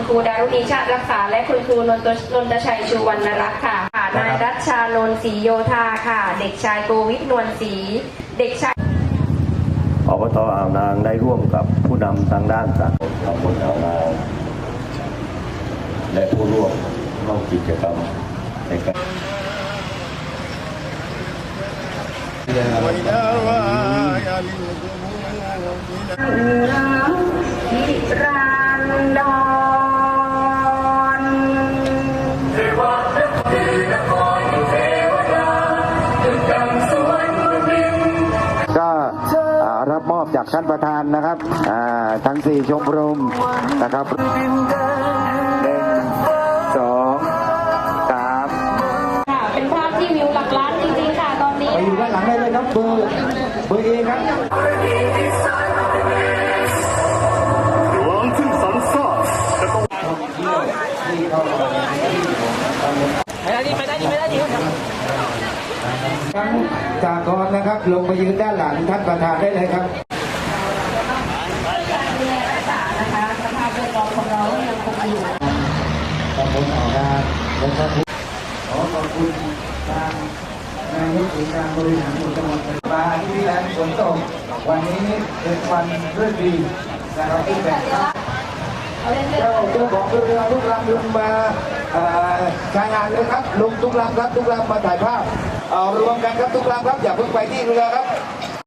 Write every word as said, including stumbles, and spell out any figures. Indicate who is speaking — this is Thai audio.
Speaker 1: คุณครูดารุณีชาติรักษาและคุณครูนนทนนทชัยชูวรรณรัตน์ค่ะนายรัชชานนท์ศรีโยธาค่ะ เด็กชายโกวิทนวลศรีเด็กชาย
Speaker 2: อบต.อ่าวนางได้ร่วมกับผู้นำทางด้านสังคมตำบลอ่าวนางและผู้ร่วมร่วมกิจกรรมในการ
Speaker 1: นิรันดร
Speaker 3: ก็รับมอบจากท่านประธานนะครับทั้งสี่ชมรมนะครับหนึ่งสองสาม
Speaker 1: ค่ะเป็นภาพที่วิวหลักล้านจริงๆค่ะตอนนี้
Speaker 3: ไปอยู่ด้านหลังได้เลยครับเบอร์เบอร์เอครับ
Speaker 4: หลวงขึ้นสันซ่าจะต้อง
Speaker 3: ไปได้ดีไปได้ดีไปได้ดีครับทั้งจากกรนะครับลงไปยืนด้านหลังท่านประธานได้เลยครับ
Speaker 1: นะคะสภาพแวดล้อมของเรายังคงอยู่
Speaker 3: ตำบลอ่าวนางนะครับขอขอบคุณทางนายกองค์การบริหารส่วนจังหวัดมาที่แหลมฝนตกวันนี้เป็นวันเรื่องดีนะครับที่แบบเจ้าเจ้าของเรือทุกลำลงมาใช้งานเลยครับลงทุกลำครับทุกลำมาถ่ายภาพเอารวมกันครับทุกลำครับอย่าเพิ่งไปที่เรือครับ